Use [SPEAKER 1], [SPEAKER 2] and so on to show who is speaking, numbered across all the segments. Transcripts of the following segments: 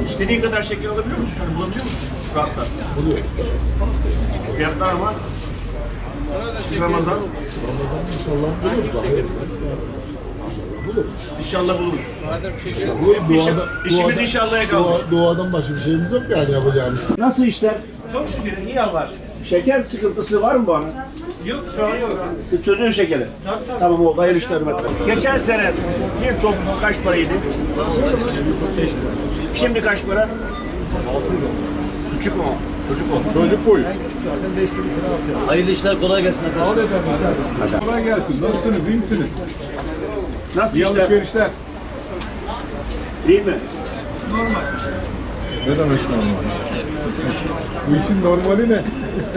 [SPEAKER 1] İstediğin kadar şeker alabiliyor musun? Şöyle bulabiliyor musun? Rahatla.
[SPEAKER 2] Buluyor.
[SPEAKER 1] Fiyatlar ama Ramazan
[SPEAKER 2] İnşallah buluruz. Hayır. Buluruz.
[SPEAKER 1] inşallah buluruz.
[SPEAKER 2] Buluruz.
[SPEAKER 1] İşimiz inşallah'a kalmış.
[SPEAKER 2] Doğadan başka bir şeyimiz yok yani yapacağımız.
[SPEAKER 1] Nasıl işler?
[SPEAKER 3] Çok şükür iyi Allah.
[SPEAKER 1] Şeker sıkıntısı var mı bana?
[SPEAKER 3] Yok şu an yok.
[SPEAKER 1] Çözün şekeri.
[SPEAKER 3] Tabii.
[SPEAKER 1] Tamam oldu. Hayırlı işler hürmetler. Geçen sene bir top kaç paraydı? Şimdi kaç para? Küçük mü o? Çocuk o.
[SPEAKER 2] Çocuk boyu.
[SPEAKER 4] Hayırlı işler, kolay gelsin arkadaşlar.
[SPEAKER 2] Kolay gelsin. Nasılsınız? İyi misiniz?
[SPEAKER 1] Nasıl
[SPEAKER 2] İyi
[SPEAKER 1] işler?
[SPEAKER 2] alışverişler.
[SPEAKER 1] Değil mi?
[SPEAKER 2] Ne demek normal? Bu işin normali ne?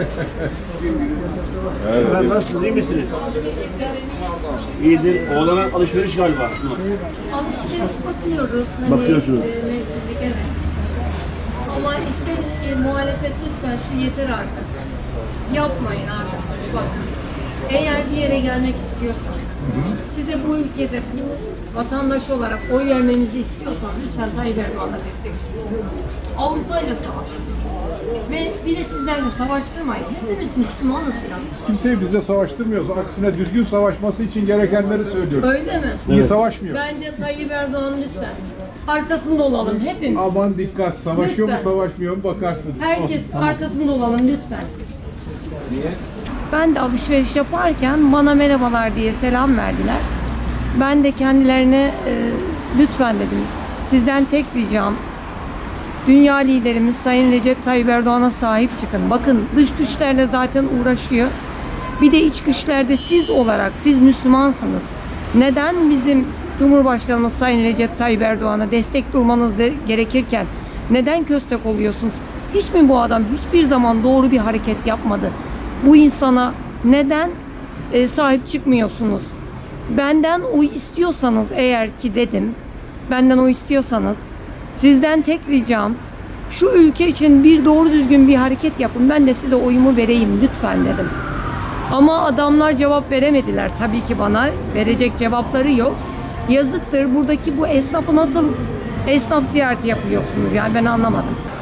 [SPEAKER 1] Efendim nasılsınız? İyi misiniz? İyidir. Oğlana alışveriş galiba.
[SPEAKER 5] Alışveriş bakıyoruz.
[SPEAKER 1] Bakıyorsunuz.
[SPEAKER 5] Mevsimlik, evet. Ama isteriz ki muhalefet lütfen şu yeter artık. Yapmayın artık. Bak. Eğer bir yere gelmek istiyorsanız, size bu ülkede bu vatandaş olarak oy vermenizi istiyorsanız lütfen Tayyip Erdoğan'a destek çıkın. Avrupa ile savaşın. Ve bir de sizlerle savaştırmayın. Hepimiz Müslümanız yani.
[SPEAKER 2] Kimseyi bizle savaştırmıyoruz. Aksine düzgün savaşması için gerekenleri söylüyoruz.
[SPEAKER 5] Öyle mi?
[SPEAKER 2] İyi savaşmıyor.
[SPEAKER 5] Bence Tayyip Erdoğan lütfen. Arkasında olalım hepimiz.
[SPEAKER 2] Aman dikkat. Savaşıyor mu
[SPEAKER 5] Lütfen.
[SPEAKER 2] savaşmıyor mu bakarsın.
[SPEAKER 5] Herkes arkasında olalım lütfen. Ben de alışveriş yaparken bana merhabalar diye selam verdiler. Ben de kendilerine lütfen dedim. Sizden tek ricam dünya liderimiz Sayın Recep Tayyip Erdoğan'a sahip çıkın. Bakın dış güçlerle zaten uğraşıyor. Bir de iç güçlerde siz olarak, siz Müslümansınız. Neden bizim Cumhurbaşkanımız Sayın Recep Tayyip Erdoğan'a destek durmanız gerekirken neden köstek oluyorsunuz? Hiç mi bu adam hiçbir zaman doğru bir hareket yapmadı? Bu insana neden sahip çıkmıyorsunuz? Benden oy istiyorsanız eğer ki dedim, benden oy istiyorsanız sizden tek ricam şu ülke için bir doğru düzgün bir hareket yapın. Ben de size oyumu vereyim lütfen dedim. Ama adamlar cevap veremediler tabii ki bana. Verecek cevapları yok. Yazıktır. Buradaki bu esnafı nasıl esnaf ziyareti yapıyorsunuz yani ben anlamadım.